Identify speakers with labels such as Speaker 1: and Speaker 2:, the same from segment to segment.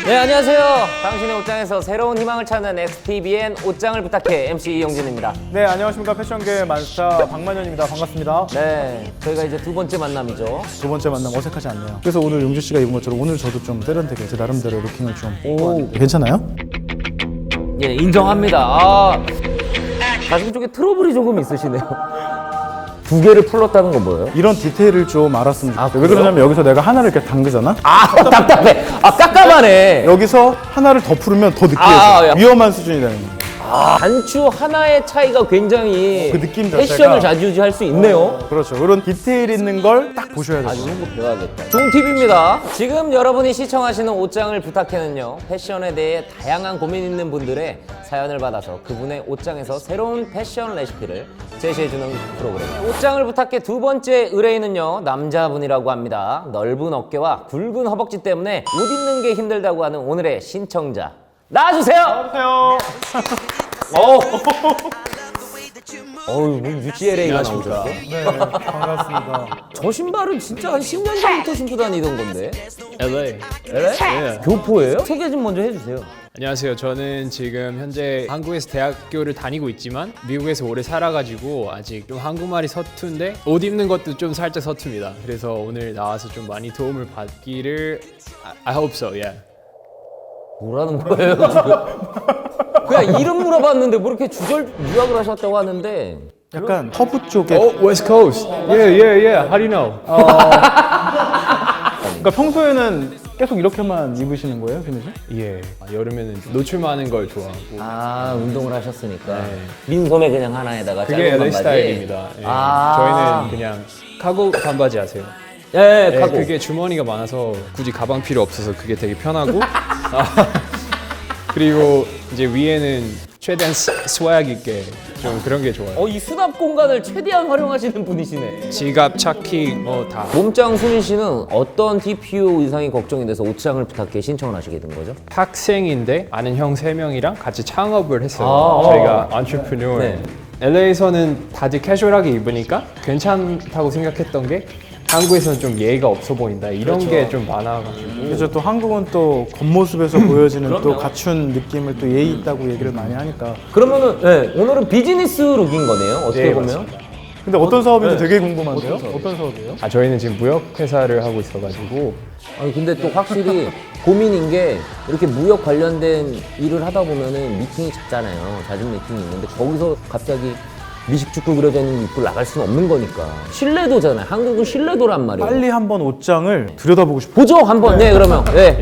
Speaker 1: 네, 안녕하세요. 당신의 옷장에서 새로운 희망을 찾는 XTVN 옷장을 부탁해 MC 이영진입니다.
Speaker 2: 네, 안녕하십니까. 패션계 만스타 박만현입니다. 반갑습니다.
Speaker 1: 네, 저희가 이제 두 번째 만남이죠.
Speaker 2: 두 번째 만남 어색하지 않네요. 그래서 오늘 용주 씨가 입은 것처럼 오늘 저도 좀 세련되게 제 나름대로 루킹을 좀 입고 왔는데 괜찮아요?
Speaker 1: 예, 인정합니다. 가슴 쪽에 트러블이 조금 있으시네요. 두 개를 풀렀다는 건 뭐예요?
Speaker 2: 이런 디테일을 좀 알았으면 좋겠어요. 왜
Speaker 1: 그래요?
Speaker 2: 그러냐면 여기서 내가 하나를 이렇게 당기잖아?
Speaker 1: 답답해. 깜깜하네.
Speaker 2: 여기서 하나를 더 풀으면 더 느끼해져.
Speaker 1: 야.
Speaker 2: 위험한 수준이 되는 거예요.
Speaker 1: 단추 하나의 차이가 굉장히
Speaker 2: 그 느낌 자체가-
Speaker 1: 패션을 좌지우지할 수 있네요.
Speaker 2: 그렇죠. 그런 디테일 있는 걸 딱 보셔야 돼요.
Speaker 1: 이런 거 배워야겠다. 좋은 팁입니다. 지금 여러분이 시청하시는 옷장을 부탁해는요, 패션에 대해 다양한 고민 있는 분들의 사연을 받아서 그분의 옷장에서 새로운 패션 레시피를 제시해주는 프로그램. 옷장을 부탁해 두 번째 의뢰인은요, 남자분이라고 합니다. 넓은 어깨와 굵은 허벅지 때문에 옷 입는 게 힘들다고 하는 오늘의 신청자. 나와주세요!
Speaker 2: 안녕하세요.
Speaker 1: 어우, 뭐 UCLA가 나오셨어?
Speaker 2: 네, 반갑습니다.
Speaker 1: 저 신발은 진짜 한 10년 전부터 신고 다니던 건데.
Speaker 3: LA.
Speaker 1: LA? 교포예요? 소개 좀 먼저 해주세요.
Speaker 3: 안녕하세요. 저는 지금 현재 한국에서 대학교를 다니고 있지만 미국에서 오래 살아가지고 아직 좀 한국말이 서툰데 옷 입는 것도 좀 살짝 서툽니다. 그래서 오늘 나와서 좀 많이 도움을 받기를 I hope so, yeah.
Speaker 1: 뭐라는 거예요, 지금? 그냥 이름 물어봤는데 뭐 이렇게 주절 유학을 하셨다고 하는데.
Speaker 2: 약간 허브 쪽에
Speaker 3: West Coast. Yeah. How do you know?
Speaker 2: 그러니까 평소에는 계속 이렇게만 입으시는 거예요, 김희 씨?
Speaker 3: 예. 여름에는 좀 노출 많은 걸 좋아하고.
Speaker 1: 운동을 하셨으니까.
Speaker 3: 네.
Speaker 1: 민소매 그냥 하나에다가
Speaker 3: 그게
Speaker 1: 짧은
Speaker 3: LA
Speaker 1: 반바지.
Speaker 3: 스타일입니다. 예. 저희는 그냥 카고 반바지 아세요?
Speaker 1: 예,
Speaker 3: 네,
Speaker 1: 카고.
Speaker 3: 그게 주머니가 많아서 굳이 가방 필요 없어서 그게 되게 편하고 그리고 이제 위에는 최대한 스웩 있게 좀 그런 게 좋아요.
Speaker 1: 이 수납 공간을 최대한 활용하시는 분이시네.
Speaker 3: 지갑, 차키 뭐 다.
Speaker 1: 몸짱 수민 씨는 어떤 TPO 의상이 걱정이 돼서 옷장을 부탁해 신청을 하시게 된 거죠?
Speaker 3: 학생인데 아는 형 3명이랑 같이 창업을 했어요.
Speaker 1: 아,
Speaker 3: 저희가 entrepreneur.
Speaker 1: 네.
Speaker 3: LA에서는 다들 캐주얼하게 입으니까 괜찮다고 생각했던 게 한국에서는 좀 예의가 없어 보인다 이런 게 좀 많아가지고
Speaker 2: 그렇죠. 또 한국은 또 겉모습에서 보여지는 또 갖춘 느낌을 또 예의 있다고 얘기를 많이 하니까.
Speaker 1: 그러면은 오늘은 비즈니스 룩인 거네요. 어떻게
Speaker 3: 네,
Speaker 1: 보면.
Speaker 3: 맞습니다.
Speaker 2: 근데 어떤 사업인지 되게 궁금한데요? 어떤 사업이에요?
Speaker 3: 저희는 지금 무역 회사를 하고 있어가지고
Speaker 1: 아니 근데 또 확실히 고민인 게 이렇게 무역 관련된 일을 하다 보면은 미팅이 잦잖아요. 잦은 미팅이 있는데 거기서 갑자기 미식축구 그려져 있는 거 입고 나갈 수는 없는 거니까. 신뢰도잖아요. 한국은 신뢰도란 말이에요.
Speaker 2: 빨리 한번 옷장을 들여다보고 싶어.
Speaker 1: 보죠 한번. 네, 그러면. 네.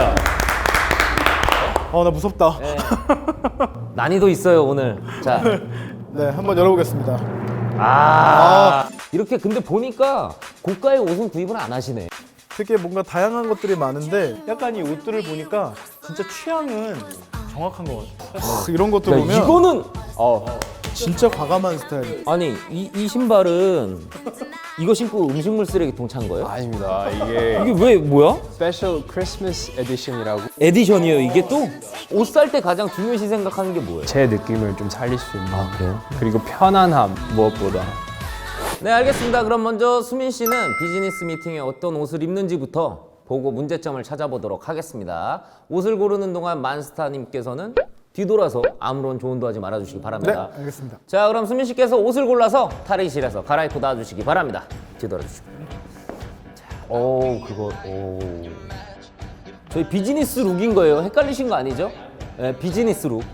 Speaker 2: 나 무섭다.
Speaker 1: 난이도 있어요 오늘. 자,
Speaker 2: 네, 한번 열어보겠습니다.
Speaker 1: 이렇게 근데 보니까 고가의 옷은 구입은 안 하시네.
Speaker 2: 되게 뭔가 다양한 것들이 많은데 약간 이 옷들을 보니까 진짜 취향은 정확한 것 같아요. 이런 것도
Speaker 1: 야,
Speaker 2: 보면
Speaker 1: 이거는
Speaker 2: 진짜 과감한 스타일.
Speaker 1: 아니 이 신발은 이거 신고 음식물 쓰레기통 찬 거예요?
Speaker 3: 아닙니다. 이게
Speaker 1: 이게 왜 뭐야?
Speaker 3: 스페셜 크리스마스 에디션이라고
Speaker 1: 에디션이에요 이게 또? 옷 살 때 가장 중요시 생각하는 게 뭐예요?
Speaker 3: 제 느낌을 좀 살릴 수 있는
Speaker 1: 그래요?
Speaker 3: 그리고 편안함 무엇보다
Speaker 1: 네 알겠습니다. 그럼 먼저 수민 씨는 비즈니스 미팅에 어떤 옷을 입는지부터 보고 문제점을 찾아보도록 하겠습니다. 옷을 고르는 동안 만스타님께서는 뒤돌아서 아무런 조언도 하지 말아주시기
Speaker 2: 네,
Speaker 1: 바랍니다.
Speaker 2: 알겠습니다.
Speaker 1: 자 그럼 수민 씨께서 옷을 골라서 탈의실에서 갈아입고 나와주시기 바랍니다. 뒤돌아 주시고. 저희 비즈니스 룩인 거예요. 헷갈리신 거 아니죠? 네, 비즈니스 룩.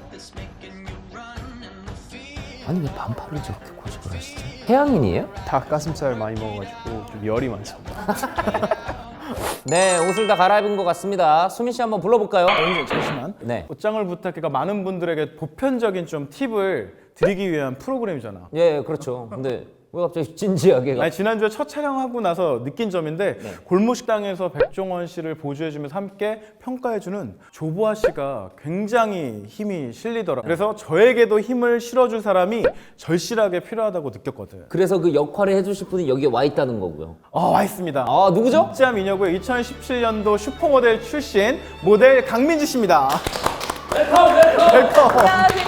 Speaker 1: 아니 왜 반팔을 저렇게 고집을 하시지? 해양인이에요?
Speaker 3: 닭가슴살 많이 먹어가지고 좀 열이 많습니다.
Speaker 1: 네, 옷을 다 갈아입은 것 같습니다. 수민 씨 한번 불러볼까요?
Speaker 2: 잠시만.
Speaker 1: 네.
Speaker 2: 옷장을 부탁해가 많은 분들에게 보편적인 좀 팁을 드리기 위한 프로그램이잖아.
Speaker 1: 예, 그렇죠. 근데 왜 갑자기 진지하게
Speaker 2: 아니 지난주에 첫 촬영하고 나서 느낀 점인데 골목식당에서 백종원 씨를 보조해주면서 함께 평가해주는 조보아 씨가 굉장히 힘이 실리더라. 그래서 저에게도 힘을 실어줄 사람이 절실하게 필요하다고 느꼈거든.
Speaker 1: 그래서 그 역할을 해주실 분이 여기에 와 있다는 거고요.
Speaker 2: 와 있습니다.
Speaker 1: 누구죠?
Speaker 2: 진짜 미녀고의 2017년도 슈퍼모델 출신 모델 강민지 씨입니다. 웰컴.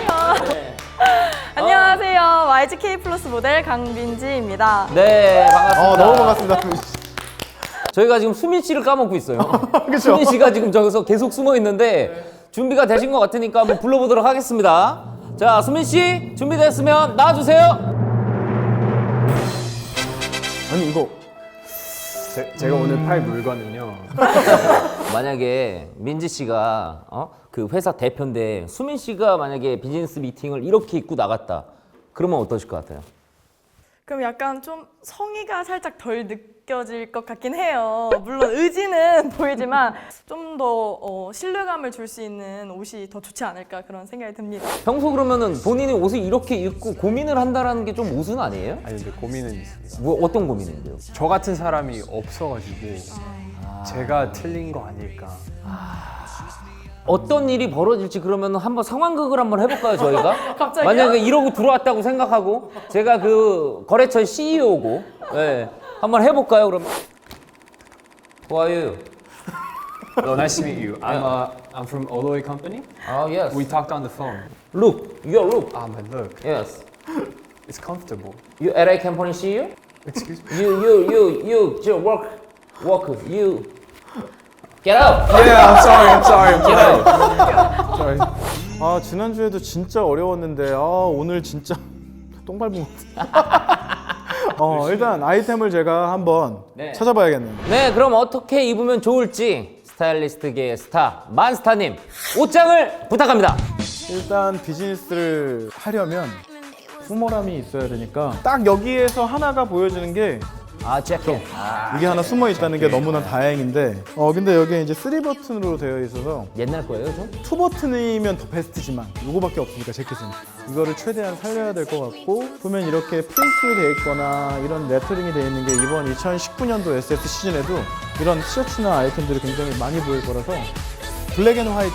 Speaker 4: 안녕하세요. YGK 플러스 모델 강민지입니다.
Speaker 1: 네, 반갑습니다.
Speaker 2: 너무 반갑습니다. 강민지 씨.
Speaker 1: 저희가 지금 수민 씨를 까먹고 있어요.
Speaker 2: 그쵸?
Speaker 1: 수민 씨가 지금 저기서 계속 숨어 있는데 준비가 되신 것 같으니까 한번 불러보도록 하겠습니다. 자, 수민 씨 준비됐으면 나와주세요.
Speaker 2: 아니 이거
Speaker 3: 제가 오늘 팔 물건은요.
Speaker 1: 만약에 민지 씨가 그 회사 대표인데 수민 씨가 만약에 비즈니스 미팅을 이렇게 입고 나갔다. 그러면 어떠실 것 같아요?
Speaker 4: 그럼 약간 좀 성의가 살짝 덜 느껴질 것 같긴 해요. 물론 의지는 보이지만 좀 더 신뢰감을 줄 수 있는 옷이 더 좋지 않을까 그런 생각이 듭니다.
Speaker 1: 평소 그러면은 본인이 옷을 이렇게 입고 고민을 한다라는 게 좀 우스는 아니에요?
Speaker 3: 아니 근데 고민은 있습니다.
Speaker 1: 뭐 어떤 고민인데요?
Speaker 3: 저 같은 사람이 없어가지고 제가 틀린 거 아닐까.
Speaker 1: 어떤 일이 벌어질지 그러면 한번 상황극을 한번 해볼까요, 저희가?
Speaker 4: 갑자기요?
Speaker 1: 만약에 이러고 들어왔다고 생각하고 제가 그 거래처 CEO고 네, 한번 해볼까요, 그러면? Who are you?
Speaker 3: Hello, nice to meet you. I'm from Oloy Company.
Speaker 1: Oh, yes.
Speaker 3: We talked on the phone.
Speaker 1: Look, your look.
Speaker 3: My look.
Speaker 1: Yes.
Speaker 3: It's comfortable.
Speaker 1: You LA company CEO?
Speaker 3: Excuse me.
Speaker 1: You, just work. You. Get out!
Speaker 3: Yeah, I'm sorry.
Speaker 1: Get out!
Speaker 3: Sorry.
Speaker 2: 아 지난주에도 진짜 어려웠는데 오늘 진짜 똥 밟은 것 같아. 일단 아이템을 제가 한번
Speaker 1: 네.
Speaker 2: 찾아봐야겠네요.
Speaker 1: 네, 그럼 어떻게 입으면 좋을지 스타일리스트계의 스타 만스타님 옷장을 부탁합니다.
Speaker 2: 일단 비즈니스를 하려면 후모람이 있어야 되니까 딱 여기에서 하나가 보여지는 게
Speaker 1: 재킷.
Speaker 2: 이게 하나 숨어 있다는 게 너무나 다행인데 근데 여기에 이제 3버튼으로 되어 있어서
Speaker 1: 옛날 거예요, 좀?
Speaker 2: 2버튼이면 더 베스트지만 요거밖에 없으니까 재킷은 이거를 최대한 살려야 될 것 같고 보면 이렇게 프린팅이 되어 있거나 이런 레터링이 되어 있는 게 이번 2019년도 SS 시즌에도 이런 티셔츠나 아이템들이 굉장히 많이 보일 거라서 블랙 앤 화이트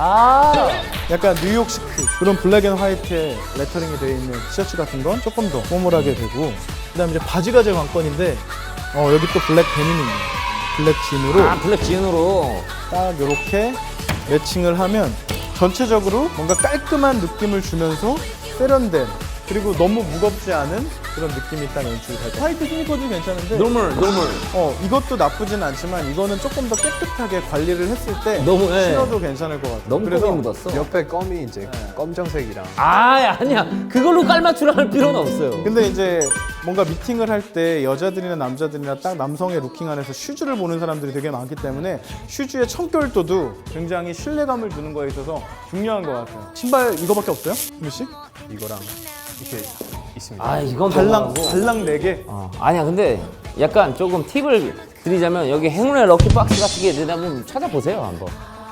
Speaker 2: 약간 뉴욕 시크 그런 블랙 앤 화이트에 레터링이 되어 있는 티셔츠 같은 건 조금 더 포멀하게 되고 그다음에 이제 바지가 제 관건인데 여기 또 블랙 데님이네요. 블랙 진으로
Speaker 1: 블랙 지은으로.
Speaker 2: 딱 이렇게 매칭을 하면 전체적으로 뭔가 깔끔한 느낌을 주면서 세련된 그리고 너무 무겁지 않은 그런 느낌이 딱 연출이 될 거예요. 화이트 스니커도 괜찮은데
Speaker 1: 노멀.
Speaker 2: 이것도 나쁘진 않지만 이거는 조금 더 깨끗하게 관리를 했을 때
Speaker 1: 너무, 예.
Speaker 2: 신어도 괜찮을 것 같아요.
Speaker 1: 너무
Speaker 2: 그래서
Speaker 1: 껌이 묻었어.
Speaker 3: 옆에 껌이 이제 검정색이랑.
Speaker 1: 아니야. 그걸로 깔맞춤을 할 필요는 없어요.
Speaker 2: 근데 이제 뭔가 미팅을 할 때 여자들이나 남자들이나 딱 남성의 루킹 안에서 슈즈를 보는 사람들이 되게 많기 때문에 슈즈의 청결도도 굉장히 신뢰감을 주는 거에 있어서 중요한 것 같아요. 신발 이거밖에 없어요? 수미 씨?
Speaker 3: 이거랑 이렇게 있습니다.
Speaker 1: 이건
Speaker 2: 달랑
Speaker 1: 너무하고.
Speaker 2: 달랑 4개?
Speaker 1: 아니야, 근데 약간 조금 팁을 드리자면 여기 행운의 럭키박스 같은 게 있는데 한번 찾아보세요, 한번.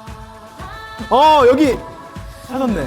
Speaker 2: 여기 찾았네.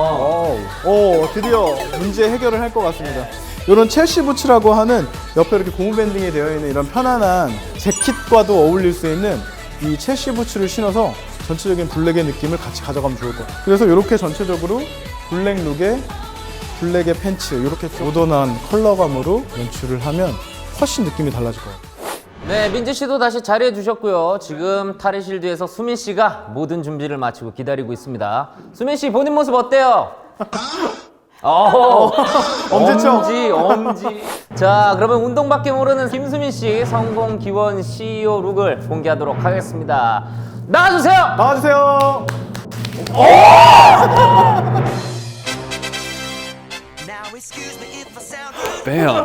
Speaker 2: 드디어 문제 해결을 할 것 같습니다. 이런 첼시 부츠라고 하는 옆에 이렇게 고무 밴딩이 되어 있는 이런 편안한 재킷과도 어울릴 수 있는 이 첼시 부츠를 신어서 전체적인 블랙의 느낌을 같이 가져가면 좋을 것 같아요. 그래서 이렇게 전체적으로 블랙 룩에 블랙의 팬츠 이렇게 모던한 컬러감으로 연출을 하면 훨씬 느낌이 달라질 것 같아요.
Speaker 1: 네, 민지 씨도 다시 자리해 주셨고요. 지금 탈의실드에서 수민 씨가 모든 준비를 마치고 기다리고 있습니다. 수민 씨 본인 모습 어때요?
Speaker 2: 엄지척.
Speaker 1: 엄지. 자, 그러면 운동밖에 모르는 김수민 씨 성공 기원 CEO 룩을 공개하도록 하겠습니다. 나와주세요.
Speaker 2: 나와주세요.
Speaker 3: Bam.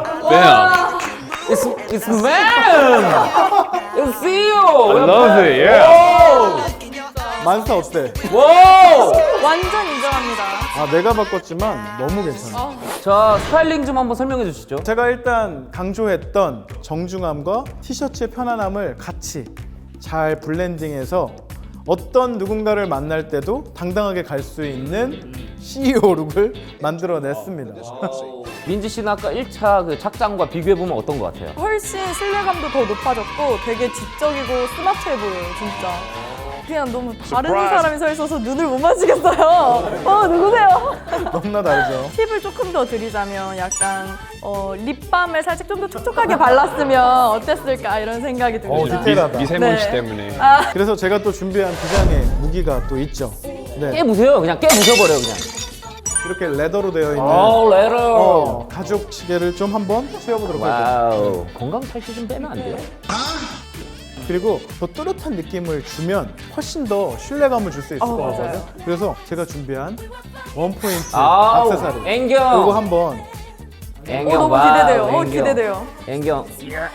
Speaker 1: It's man. It's CEO.
Speaker 3: I love it. Yeah.
Speaker 2: 만스타 어때?
Speaker 1: 와우.
Speaker 4: 완전 인정합니다.
Speaker 2: 내가 바꿨지만 너무 괜찮아.
Speaker 1: 자, 스타일링 좀 한번 설명해 주시죠.
Speaker 2: 제가 일단 강조했던 정중함과 티셔츠의 편안함을 같이 잘 블렌딩해서 어떤 누군가를 만날 때도 당당하게 갈 수 있는 CEO 룩을 만들어냈습니다.
Speaker 1: 민지 씨는 아까 1차 그 착장과 비교해 보면 어떤 것 같아요?
Speaker 4: 훨씬 신뢰감도 더 높아졌고 되게 지적이고 스마트해 보여요, 진짜. 그냥 너무 다른 사람이 서 있어서 눈을 못 맞추겠어요. 누구세요?
Speaker 2: 너무나 다르죠.
Speaker 4: 팁을 조금 더 드리자면 약간 립밤을 살짝 좀 더 촉촉하게 발랐으면 어땠을까 이런 생각이 듭니다.
Speaker 2: 디테일하다.
Speaker 3: 미세먼지
Speaker 4: 네.
Speaker 3: 때문에.
Speaker 2: 그래서 제가 또 준비한 비장의 무기가 또 있죠. 네,
Speaker 1: 깨부세요. 그냥 깨부셔버려요, 그냥.
Speaker 2: 이렇게 레더로 되어 있는
Speaker 1: 레러.
Speaker 2: 가죽 시계를 좀 한번 씌워보도록 할게요.
Speaker 1: 와우. 건강 탈취 좀 빼면 안 돼요?
Speaker 2: 그리고 더 뚜렷한 느낌을 주면 훨씬 더 신뢰감을 줄 수 있을 것
Speaker 4: 맞아요.
Speaker 2: 같거든요. 그래서 제가 준비한 원포인트
Speaker 1: 아우,
Speaker 2: 액세서리
Speaker 1: 앵경.
Speaker 2: 이거 한번
Speaker 1: 앵경
Speaker 4: 너무
Speaker 1: 봐,
Speaker 4: 기대돼요.
Speaker 1: 앵경.
Speaker 4: 기대돼요.
Speaker 1: 앵경.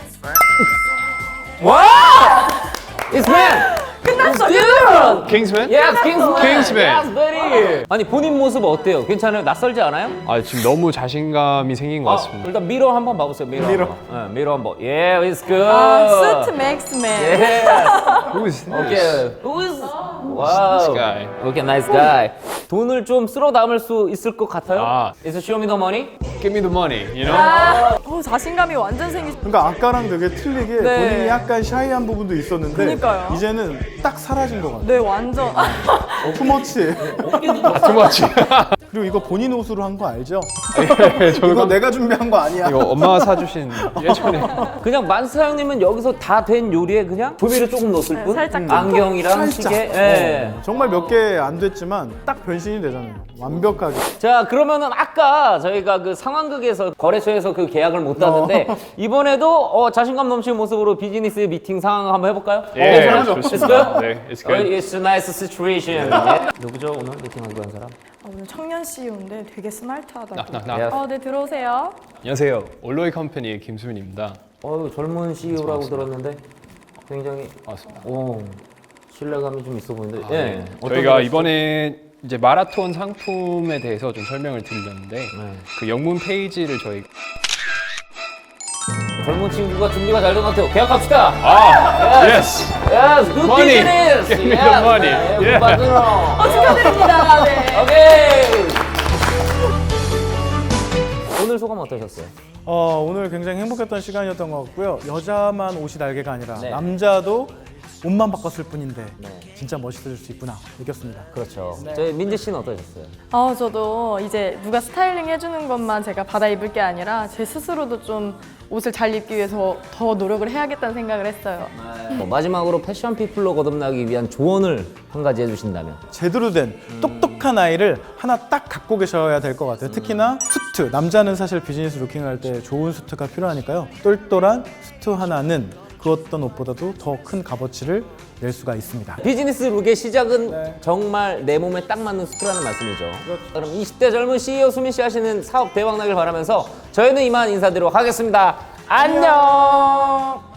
Speaker 1: 와! It's man!
Speaker 4: 끝났어.
Speaker 1: Dude!
Speaker 3: 킹스맨?
Speaker 1: Yes, Kingsman!
Speaker 3: Kingsman.
Speaker 1: Yes, buddy! 아니, 본인 모습 어때요? 괜찮아요? 낯설지 않아요?
Speaker 3: 아 지금 너무 자신감이 생긴 것 같습니다.
Speaker 1: 일단 미러 한번 봐보세요. 미러.
Speaker 2: 미러.
Speaker 1: 한번. 네, 미러 한번. Yeah, it's good.
Speaker 4: 아, 스트 맥스맨.
Speaker 1: Yes.
Speaker 3: Who is this?
Speaker 1: Okay. Who is? Wow.
Speaker 3: guy?
Speaker 1: Okay, nice guy. 돈을 좀 쓸어 담을 수 있을 것 같아요.
Speaker 3: 아.
Speaker 1: Is it show me the money?
Speaker 3: Give me the money, you know?
Speaker 4: 자신감이 완전 생기.
Speaker 2: 그러니까 아까랑 되게 틀리게
Speaker 4: 네.
Speaker 2: 본인이 약간 샤이한 부분도 있었는데
Speaker 4: 그러니까요.
Speaker 2: 이제는 딱 사라진 것 같아요.
Speaker 4: 네, 완전.
Speaker 2: 투머치.
Speaker 3: 투머치.
Speaker 2: 그리고 이거 본인 옷으로 한 거 알죠?
Speaker 3: 저
Speaker 2: 이거 내가 준비한 거 아니야.
Speaker 3: 이거 엄마가 사주신 예전에
Speaker 1: 그냥 만사형님은 여기서 다 된 요리에 그냥 조미료 조금 넣었을
Speaker 4: 네,
Speaker 1: 뿐.
Speaker 4: 살짝
Speaker 1: 안경이랑
Speaker 2: 살짝.
Speaker 1: 시계. 예.
Speaker 2: 정말 몇 개 안 됐지만 딱 변신이 되잖아요. 완벽하게.
Speaker 1: 자, 그러면은 아까 저희가 그 상황극에서 거래소에서 그 계약을 못 땄는데 이번에도 자신감 넘치는 모습으로 비즈니스 미팅 상황 한번 해볼까요?
Speaker 3: 예,
Speaker 1: 괜찮아요?
Speaker 3: 좋습니다.
Speaker 1: It's good?
Speaker 3: 네, it's good.
Speaker 1: It's a nice situation. 예. 누구죠 오늘 미팅하기로 한 사람?
Speaker 4: 오늘 청년 CEO인데 되게 스마트하다고.
Speaker 3: 나.
Speaker 4: 네, 들어오세요.
Speaker 3: 안녕하세요. 올로이 컴퍼니의 김수민입니다.
Speaker 1: 젊은 CEO라고 들었는데 굉장히
Speaker 3: 반갑습니다.
Speaker 1: 신뢰감이 좀 있어 보이는데.
Speaker 3: 네.
Speaker 1: 예. 어떤
Speaker 3: 저희가
Speaker 1: 거였죠?
Speaker 3: 이번에 이제 마라톤 상품에 대해서 좀 설명을 드리려는데 그 영문 페이지를 저희
Speaker 1: 젊은 친구가 준비가 잘 된 것 같아요. 계약합시다.
Speaker 3: yes.
Speaker 1: Yes, good
Speaker 3: Money.
Speaker 1: business.
Speaker 3: Give me the money.
Speaker 1: 예.
Speaker 4: 축하드립니다. 네.
Speaker 1: 오케이. 오늘 소감 어떠셨어요?
Speaker 2: 오늘 굉장히 행복했던 시간이었던 것 같고요. 여자만 옷이 날개가 아니라
Speaker 1: 네.
Speaker 2: 남자도 옷만 바꿨을 뿐인데
Speaker 1: 네.
Speaker 2: 진짜 멋있어질 수 있구나 느꼈습니다.
Speaker 1: 그렇죠. 저희 민지 씨는 어떠셨어요?
Speaker 4: 저도 이제 누가 스타일링 해주는 것만 제가 받아 입을 게 아니라 제 스스로도 좀 옷을 잘 입기 위해서 더 노력을 해야겠다는 생각을 했어요.
Speaker 1: 마지막으로 패션 피플로 거듭나기 위한 조언을 한 가지 해주신다면?
Speaker 2: 제대로 된 똑똑한 아이를 하나 딱 갖고 계셔야 될 것 같아요. 특히나 수트. 남자는 사실 비즈니스 루킹을 할 때 좋은 수트가 필요하니까요. 똘똘한 수트 하나는 그 어떤 옷보다도 더 큰 값어치를 낼 수가 있습니다.
Speaker 1: 비즈니스 룩의 시작은
Speaker 2: 네.
Speaker 1: 정말 내 몸에 딱 맞는 수트라는 말씀이죠. 그럼 20대 젊은 CEO 수민 씨 하시는 사업 대박 나길 바라면서 저희는 이만 인사드리도록 하겠습니다. 안녕.